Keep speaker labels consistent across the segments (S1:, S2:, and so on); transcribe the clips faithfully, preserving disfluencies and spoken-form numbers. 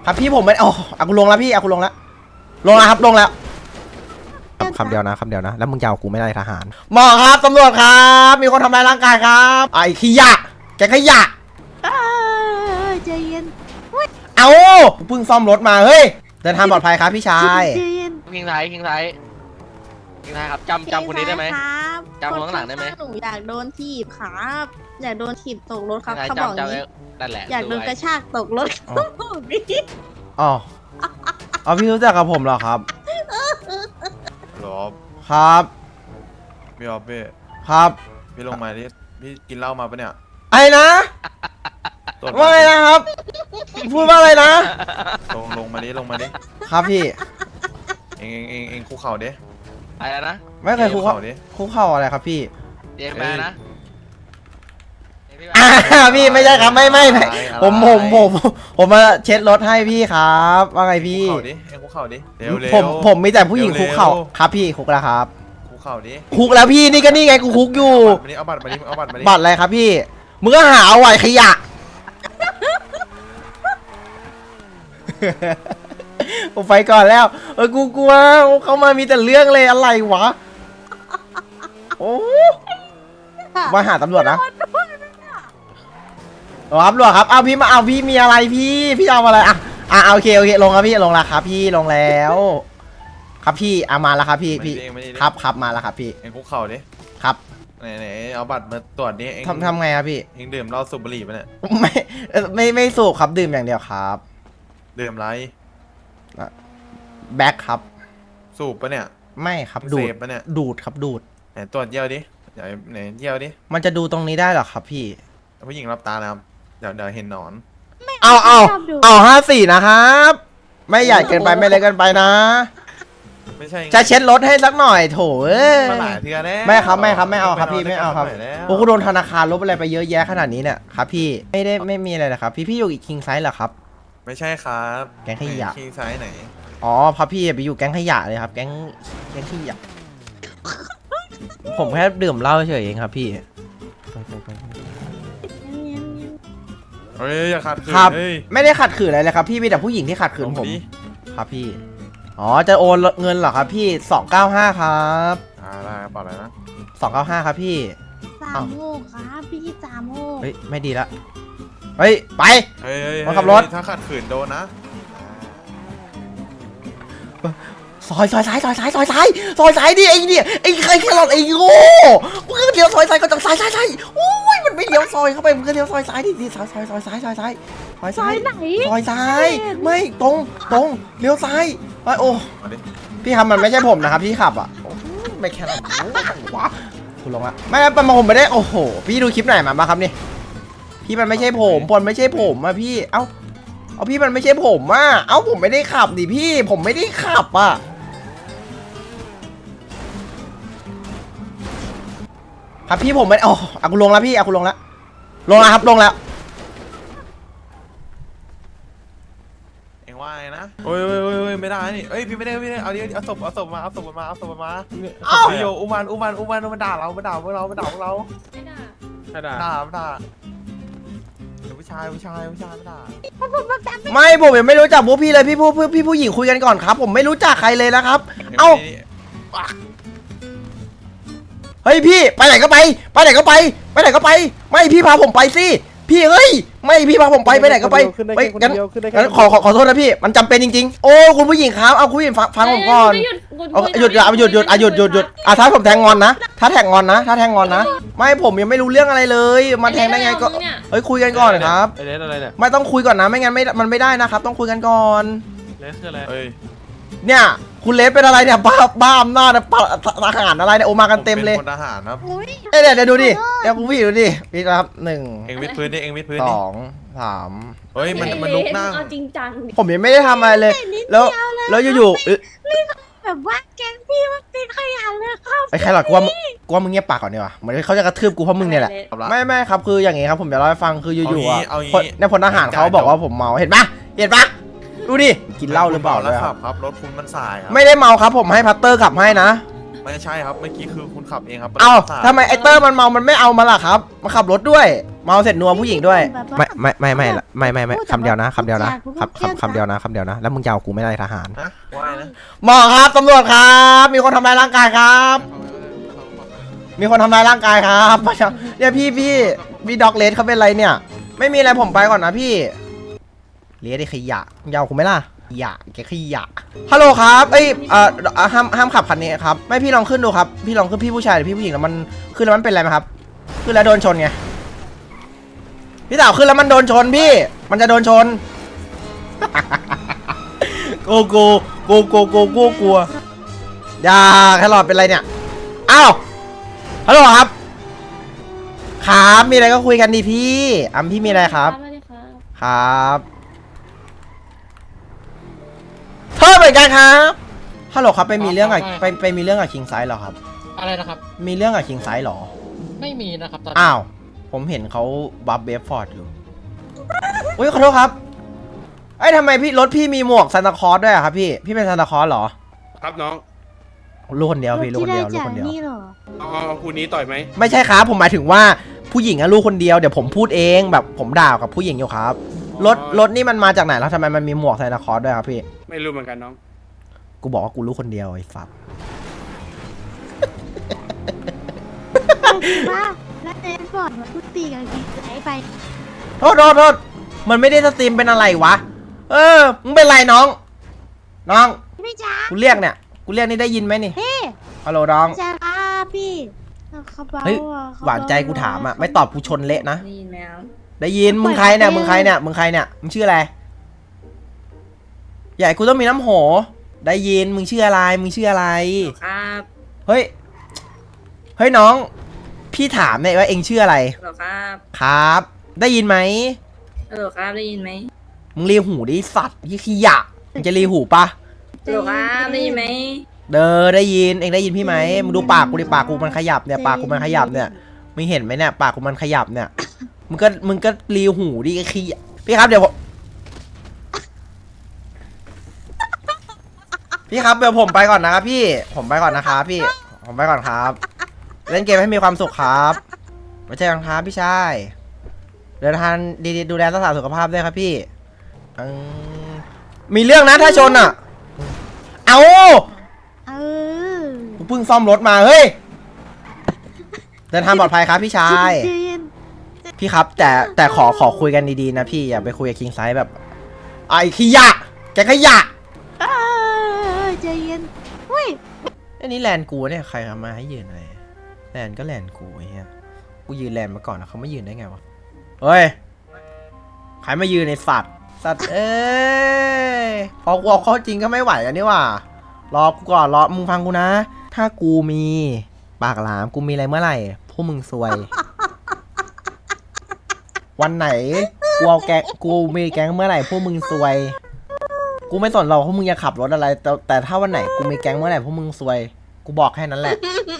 S1: ครับพี่ผมไม่โอ้อากูลงแล้วพี่อากูลงแล้วลงแล้วครับลงแล้วคำเดียวนะคำเดียวนะแล้วมึงจะเอากูไม่ได้ทหารหมอครับตำรวจครับมีคนทำร้ายร่างกายครับไอ้ขยะแกขยะ
S2: ใจเย็น
S1: เอาเพิ่งซ่อมรถมาเฮ้ยเดินทางปลอดภัยครับพี่ชาย
S3: คิงไทยคิงไทยคิงไทยครับจำจำคนนี้ได้ไหมจำคนข้างหลังได้ไหม
S2: หนูอยากโดนถีบครับอยากโดนถีบตกรถครับเขาบอกนี้อยากโดนกระชากตกรถเขาบอกนี้
S1: อ๋อเอาพี่รู้จักกับผมเหรอครับ
S4: หรอ
S1: ครับ
S4: พี่ออฟพี่
S1: ครับ
S4: พี่ลงมาที่พี่กินเหล้ามาปะเนี่ย
S1: ไอ้นะว่าไงนะครับพูดว่าอะไรนะ
S4: ลงลงมาดิลงมาดิ
S1: ครับพี่
S4: เองเองเองเองคุกเข่าดิ
S3: อะไรนะ
S1: ไม่เคยคุกเข่าดิคุกเข่าอะไรครับพี่
S3: เดี๋ยวมานะ
S1: พี่ไม่ใช่ครับไม่ไม่ไม่ผมผมผมผมมาเช็ดรถให้พี่ครับว่าไงพี่
S4: คุกเข่าดิเองคุกเข่าดิเร็วเร็ว
S1: ผมผมมีแต่ผู้หญิงคุกเข่าครับพี่คุกแล้วครับ
S4: คุกเข่าดิ
S1: คุกแล้วพี่นี่ก็นี่ไงกูคุกอยู่
S4: เอาบัตรมาดิเอาบัตรมาดิ
S1: บัตรอะไรครับพี่มึงก็หาเอาไว้ขยะผมไปก่อนแล้วเออกูกลัวเขามามีแต่เรื่องเลยอะไรวะโอ้มาหาตำรวจนะครับตำรวจครับเอาพี่มาเอาพี่มีอะไรพี่พี่เอาอะไรอ่ะอ่ะโอเคโอเคลงครับพี่ลงแล้วครับพี่ลงแล้วครับพี่เอามาแล้วครับพี่พี่ครับครับมาแล้วครับพี่
S4: เองคุกเข่าดิ
S1: ครับ
S4: ไหนไหนเอาบัตรมาตรวจดิเอง
S1: ทำทำไงครับพี่
S4: เองดื่มเหล้าสูบบุหรี่ปะเนี่ย
S1: ไม่ไม่ไม่สูบครับดื่มอย่างเดียวครับ
S4: ดื่มไร
S1: แบ็คครับ
S4: สูบปะเนี่ย
S1: ไม่ครับดูด
S4: ปะเนี่ย
S1: ดูดครับดูด
S4: ไหนตรวจเยี่ยวดิไหนไหนเยี่ยวดิ
S1: มันจะดูตรงนี้ได้หรอครับพี่
S4: ผู้หญิงรับตานะครับเดี๋ยวเดี๋ยวเห็นหนอน
S1: เอาเอาเอาห้าสี่นะครับไม่ใหญ่เกินไปไม่เล็กเกินไปนะ
S4: ไม่ใช่
S1: จะเช็ดรถให้สักหน่อยโถเอ้ย
S4: มาหลายเทื่อแล้ว
S1: ไม่ครับไม่ครับไม่เอาครับพี่ไม่เอาครับโอ้กูโดนธนาคารลบอะไรไปเยอะแยะขนาดนี้เนี่ยครับพี่ไม่ได้ไม่มีอะไรนะครับพี่พี่อยู่อีกคิงไซส์เหรอครับ
S4: ไม่ใช่ครับ
S1: แก๊งขยะ
S4: คิงไซส์ไหน
S1: อ๋อพับพี่ไปอยู่แก๊งขยะเลยครับแก๊งแก๊งขยะผมแค่ดื่มเหล้าเฉยเองครับพี่
S4: เฮ้ยอย่าขัดขืน
S1: ครับไม่ได้ขัดขืนอะไรเลยครับพี่มีแต่ผู้หญิงที่ขัดขืนผมครับพี่อ๋อจะโอนเงินเหรอครับพี่สองเก้าห้าครับ
S4: อ่าได้เปล่าอะไรนะ
S1: สองเก้าห้าครับพี่
S2: สามโมกครับพี่สามโมก
S1: เฮ้ยไม่ดีละเฮ้ยไป
S4: เฮ้ย
S1: มาขับรถ
S4: ถ้าขัดขืนโดนนะ
S1: ซอยซอยซ้ายซอยซ้ายซอยซ้ายซอยซ้ายดิไอ้เนี่ยไอ้ใครแค่หลอดไอ้โง่มึงก็เลี้ยวซอยซ้ายก็จากซ้ายซ้ายซ้ายโอ้ยมันไม่เลี้ยวซอยเข้าไปมึงก็เลี้ยวซอยซ้ายดิดิซอยซอยซอยซ้ายซอยซ้ายซอยซ้ายซอยซ้ายไม่ตรงตรงเลี้ยวซ้ายไปโอ้พี่ครับมันไม่ใช่ผมนะครับที่ขับอ่ะไม่แค่นั้นวะคุณลงละไม่เป็นมาผมไม่ได้โอ้โหพี่ดูคลิปไหนมาบ้างครับนี่พี่มันไม่ใช่ผมปนไม่ใช่ผมอ่ะพี่เอ้าเอาพี่มันไม่ใช่ผมอ่ะเอ้าผมไม่ได้ขับดิพี่ผมไม่ได้ขับอ่ะครับพี่ผมไม่โอ้อากูลงแล้วพี่อากูลงแล้วลงแล้วครับลงแล้ว
S4: เอ็งว่าไงนะโอ้ยโอ้ยโอ้ยไม่ได้นี่เอ้ยพี่ไม่ได้ไม่ได้เอาดิเอาศพเอาศพมาเอาศพมาเอาศพมาเอาโยอุมันอุมันอุมันมันด่าเรามันด่าพวกเรามันด่าพวกเราไม่ด่าไม่ด่าด่าไม่ด่าผู้ชายผู้ชายผู้ชายไม่ด่า
S1: ไม่ผมยังไม่รู้จักพวกพี่เลยพี่ผู้พี่ผู้หญิงคุยกันก่อนครับผมไม่รู้จักใครเลยนะครับเอ้าเฮ้ยพี่ไปไหนก็ไปไปไหนก็ไปไปไหนก็ไปไม่พี่พาผมไปสิพี่เฮ้ยไม่พี่พาผมไปไปไหนก็ไปไปงั้นงั้นขอขอขอโทษนะพี่มันจำเป็นจริงๆโอ้คุณผู้หญิงครับเอาคุณผู้หญิงฟังผมก่อนหยุดหยุดหยุดหยุดหยุดหยุดหยุดอ่ะถ้าผมแทงงอนนะถ้าแทงงอนนะถ้าแทงงอนนะไม่ผมยังไม่รู้เรื่องอะไรเลยมาแทงได้ไงก็เฮ้ยคุยกันก่อนครับไม่ต้องคุยก่อนนะไม่งั้นไม่มันไม่ได้นะครับต้องคุยกันก่อน
S4: เลสคืออะไร
S1: เนี่ยคุณเลสเป็นอะไรเนี่ยบ้าบ้าอำนาจทหารอะไรเนี่ยโอมากันเต็มเลย
S4: เป็นทหารครับ
S1: เอ้ยเดี๋ยวดูดิเดี๋ยวคุณพี่ดูดิพี่ครับหนึ่ง
S4: เอ็งวิดพื้นดิเอ็งวิดพื้น
S1: สองสาม
S4: เฮ้ยมันมันลุกนั่ง
S2: จริงจัง
S1: ผมยังไม่ได้ทำอะไรเลยแล้วแล้วอยู่
S2: ๆแบบว่าแกงพี่มันเป็นขยะเลยครับ
S1: ไอ้ใครหรอกกูว่ากูว่ามึงเงียบปากก่อนดีกว่าเหมือนเขาจะกระทืบกูเพราะมึงเนี่ยแหละไม่ไม่ครับคืออย่างงี้ครับผมจะเล่าให้ฟังคืออยู่ๆอ่ะในพลทหารเขาบอกว่าผมเมาเห็นปะเห็นปะดูดิกินเหล้าหรือเปล่า
S4: แล้วครับครับรถคุณมันสายครับ
S1: ไม่ได้เมาครับผมให้พัตเตอร์ขับให้นะ
S4: ไม่ใช่ครับเมื่อกี้คือคุณขับเองครับ
S1: เอ้าทำไมไอเตอร์มันเมามันไม่เอามาล่ะครับมาขับรถด้วยเมาเสร็จนัวผู้หญิงด้วย
S2: แบบว่า
S1: ไม่ไม่ไม่ไม่ไม่ไม่ไม่
S2: พูดแต่
S1: คำเดียวนะ
S2: ว่า
S1: คำเดียวนะ
S2: พูด
S1: คำ
S2: จา
S1: คำคำเดียวนะคำเดียวนะแล้วมึงจะเอากูไม่ได้ทหาร
S4: ฮะว่าไงนะ
S1: หมอครับตำรวจครับ มีคนทำร้ายร่างกายครับ มีคนทำร้ายร่างกายครับเนี่ยพี่พี่พี่ด็อกเลสเขาเป็นไรเนี่ย ไม่มีอะไรผมไปก่อนนะพี่เลสไอ้ขยะยาวกูไหมล่ะขยะแกขยะฮัลโหลครับเอ้ยเอ่อเอ่อห้ามห้ามขับคันนี้ครับไม่พี่ลองขึ้นดูครับพี่ลองขึ้นพี่ผู้ชายหรือพี่ผู้หญิงแล้วมันขึ้นแล้วมันเป็นอะไรไหมครับขึ้นแล้วโดนชนไงพี่สาวขึ้นแล้วมันโดนชนพี่มันจะโดนชน โกโกโกโกโกโกกลัวอย่าแครอทเป็นไรเนี่ยอ้าวฮัลโหลครับครับมีอะไรก็คุยกันดีพี่อัมพี่มีอะไรครับครับเธอเหมือนกันครับฮัลโหลครับไปมีเรื่องกับไปไปมีเรื่องกับคิงไซส์เหรอครับ
S5: อะไรนะครับ
S1: มีเรื่องกับคิงไซส์เหรอ
S5: ไม่มีนะครับตอน
S1: อ้าวผมเห็นเขาบัฟเบฟฟอร์ดอยู่อุ้ยขอโทษครับไอ้ยทำไมพี่รถพี่มีหมวกซานตาคลอสด้วยอะครับพี่พี่เป็นซานตาคลอสเหรอ
S6: ครับน้อง
S1: ลูกคนเดียวพี่ลูก
S2: ที่
S1: คน
S2: ได้
S1: เดียวลูก
S2: จาก
S1: คนเดียว
S2: นี่เหรอ
S6: เอาเอาเอาคู่นี้ต่อยไหม
S1: ไม่ใช่ครับผมหมายถึงว่าผู้หญิงอะลูกคนเดียวเดี๋ยวผมพูดเองแบบผมด่ากับผู้หญิงอยู่ครับรถรถนี่มันมาจากไหนแล้วทำไมมันมีหมวกซานตาคลอสด้วยครับพี่
S6: ไม่รู้เหมือนกันน้อง
S1: กูบอกว่ากูลูกคนเดียวไอ้สัส
S2: ว่าแล้วเดนฟอร์ดมาพูดตีกันกี่ไหนไป
S1: โทษโทษโทษมันไม่ได้สตรีมเป็นอะไรวะเออมึงเป็นไรน้อง น้อง
S2: พี่จ้า
S1: กูเรียกเนี่ยกูเรียกนี่ได้ยินไหมนี่
S2: เฮ้
S1: ฮัลโหลน้อง
S2: จ้าครับพี่เขาเบา
S1: เฮ้ย
S2: อะเข
S1: หวานใจกูถามอะไม่ตอบกูชนเละนะ
S2: นี่แมว
S1: ได้ยินมึงใครเนี่ยมึงใครเนี่ยมึงใครเนี่ยมึงชื่ออะไรใหญ่กูต้องมีน้ำโหได้ยินมึงชื่ออะไรมึงชื่ออะไร
S7: ครับ
S1: เฮ้ยเฮ้ยน้องพี่ถามเนี่ยว่าเองชื่ออะไร
S7: ฮัลโหลครับ
S1: ครับ ได้ยินไหม
S7: ฮัลโหลครับได้ยินไหม
S1: มึงรีหูดิสัตว์ยี่ขี้ยะมึงจะรีหูปะ
S7: ฮัลโหลครับได้ยินไหม
S1: เด้อได้ยินเองได้ยินพี่ไหมมึงดูปากกูดิปากกูมันขยับเนี่ยปากกูมันขยับเนี่ยมึงเห็นไหมเนี่ยปากกูมันขยับเนี่ยมึงก็มึงก็รีหูดิไอ้ขี้ยะพี่ครับเดี๋ยวผมพี่ครับเดี๋ยวผมไปก่อนนะครับพี่ผมไปก่อนนะครับพี่ผมไปก่อนครับ เล่นเกมให้มีความสุขครับไม่ใช่กันครับพี่ชายเดินทางดีๆดูแลรักษาสุขภาพด้วยครับพี่อืมมีเรื่องนะถ้าชนอ่ะเอา
S2: เออ
S1: กูเพิ่งซ่อมรถมาเฮ้ยเดินทางปลอดภัยครับพี่ชาย
S2: เย็น
S1: พี่ครับ แต่แต่ขอขอคุยกันดีๆนะพี่อย่าไปคุยกับคิงไซส์แบบไอ้ขยะแกขยะ
S2: เออใจเย็นอุ้ย
S1: อันนี้แลนด์กูเนี่ยใครทำมาให้ยืนอะไรแลนด์ก็แลนด์กูไอ้เหี้ยกูยืนแลนด์มาก่อนนะเขาไม่ยืนได้ไงวะเฮ้ยใครมายืนในสัตว์สัตว์เอ้ยพอกูเอาเข้าจริงก็ไม่ไหวกันนี่หว่ารอกูก่อนรอมึงฟังกูนะ ถ้ากูมีปากหลามกูมีอะไรเมื่อไหร่พวกมึงซวย วันไหนกูเอาแกงกูมีแก๊งเมื่อไหร่พวกมึงซวย กูไม่สนหรอกพวกมึงจะขับรถอะไร แต่แต่ถ้าวันไหนกูมีแก๊งเมื่อไหร่พวกมึงซวย กูบอกแค่นั้นแหละ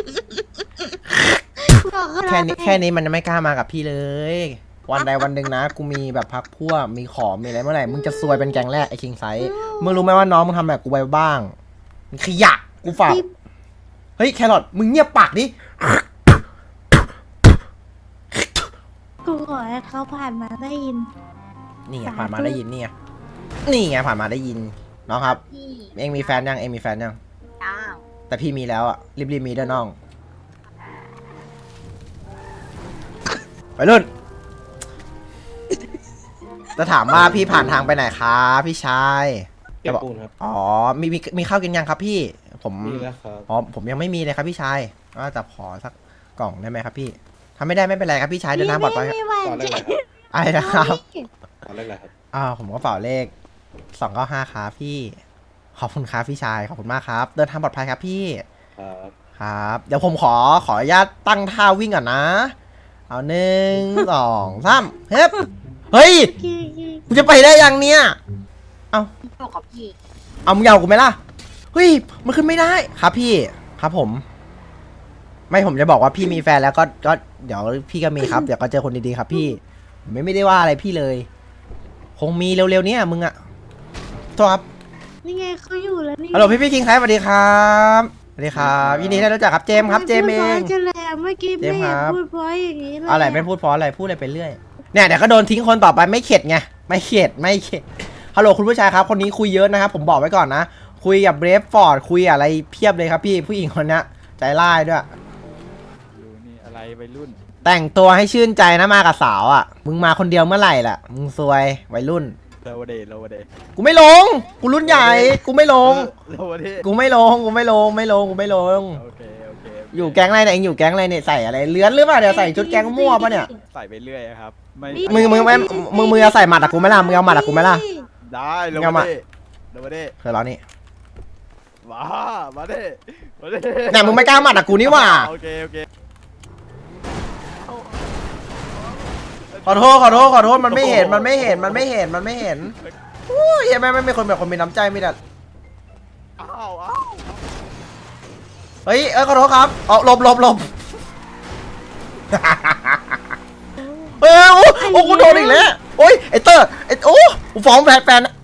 S1: แค่นี้แค่นี้มันจะไม่กล้ามากับพี่เลย วันใดวันหนึ่งนะ กูมีแบบพักพวกมีของมีอะไรเมื่อไหร่มึงจะซวยเป็นแก๊งแรกไอ้คิงไซส์มึงรู้ไหมว่าน้องมึงทำแบบกูไปบ้างมึงขยะกูฝากเฮ้ยแครอทมึงเงียบปากดิ
S2: กูขอให้เขาผ่านมาได้ยิน
S1: นี่ไงผ่านมาได้ยินนี่ไงนี่ไงผ่านมาได้ยินน้องครับ
S2: พี่
S1: เองมีแฟนยังเองมีแฟนยัง
S2: อ้าว
S1: แต่พี่มีแล้วอ่ะรีบๆมีด้วยน้องไปรุ่นจะถามว่าพี่ผ่านทางไปไหนครับพี่ชาย
S6: เก็บปูนครับ
S1: อ๋อมีมีมีข้าวกินยังครับพี่ ผม
S6: มีแล้วครับ
S1: อ๋อผมยังไม่มีเลยครับพี่ชายว่าจะขอสักกล่องได้ไหมครับพี่ถ้าไม่ได้ไม่เป็นไรครับพี่ชายเดินทางปลอดภัย
S2: ไม่ไหว
S6: ต่อเลขอะไรครับ
S1: อะไรนะครับ
S6: ต่อเลขอะไรครับ
S1: อ่าผมก็เป่าเลขสองเก้าห้าครับพี่ขอบคุณครับพี่ชายขอบคุณมากครับ เดินทางปลอดภัยครับพี่
S6: ครับ
S1: ครับ เดี๋ยวผมขอขออนุญาตตั้งท่าวิ่งก่อนนะ เอาหนึ่ง สองสามเฮ้ยเฮ้ยกูจะไปได้ยังเนี่ยเอา
S2: บอกกับพี่
S1: เอามึงยาวกูไหมล่ะเฮ้ยมันขึ้นไม่ได้ครับพี่ครับผม ไม่ผมจะบอกว่าพี่มีแฟนแล้วก็ก็เดี๋ยวพี่ก็มีครับ เดี๋ยวก็เจอคนดีๆครับพี่ผมไม่ไม่ได้ว่าอะไรพี่เลย คงมีเร็วๆเนี้ยมึงอะโทษครับ
S2: นี่ไงเขาอยู่แล้วนี่
S1: ฮัลโหลพี่พี่คิงครับสวัสดีครับสวัสดีครับยินดีที่ได้รู้จักครับเจมส์ครับเจมส์เอง
S2: จะแลมเมื่อกี้
S1: เจ
S2: ไม่
S1: มส์
S2: เห็น
S1: ครับ
S2: พูดเพราะอย่างนี้เลย
S1: อะไรไม่พูดเพราะอะไรพูดอะไรไปเรื่อยเนี่ยเดี๋ยวก็โดนทิ้งคนต่อไปไม่เข็ดไงไม่เข็ดไม่เข็ดฮัลโหลคุณผู้ชายครับคนนี้คุยเยอะนะครับผมบอกไว้ก่อนนะคุยกับเบรฟฟอร์ดคุยอะไรเพียบเลยครับพี่ผู้หญิงคนนี้ใจร้ายด้วย
S8: ดูนี่อะไรวัยรุ่น
S1: แต่งตัวให้ชื่นใจนะมากับสาวอ่ะมึงมาคนเดียวเมื่อไหร่ล่ะมึงซวยวัยรุ่น
S8: โลวเดโลวเด
S1: กูไม่ลงกูรุ่นใหญ่กูไม่ลง
S8: โลวเด
S1: กูไม่ลงกูไม่ลงไม่ลงกูไม่ลง
S8: โอเคโอเค
S1: อยู่แก๊งอะไรเนี่ยเองอยู่แก๊งอะไรเนี่ยใส่อะไรเลื้อนหรือเปล่าเดี๋ยวใส่ชุดแก๊งมั่วปะเนี่ย
S8: ใส่ไปเรื่อยครับไม่
S1: มึงมึงไม่มึงมึงจะใส่หมัดอะกูไหม่ล่ะมึงเอาหมัดอะกูไหม่ล่ะ
S8: ได้โล
S1: เอา
S8: ว
S1: มา
S8: เดโลวเด
S1: เคยร้องนี่
S8: มามาเดมาเด
S1: เนี่ยมึงไม่กล้าหมัดอะกูนี่หว่า
S8: โอเคโอเค
S1: ขอโทษขอโทษขอโทษมันไม่เห็นมันไม่เห็นมันไม่เห็นมันไม่เห็นอู้ยเหี้ยแม่งไม่เป็นคนแบบคนมีน้ำใจมีแต่
S8: อ้าวอ้าว
S1: เฮ้ยเออขอโทษครับเอาหลบหลบหลบเออโอ้โอ้กูโดนอีกแล้วโอ้ยไอเตอร์ไอโอ้กูฟ้องแฟนแฟน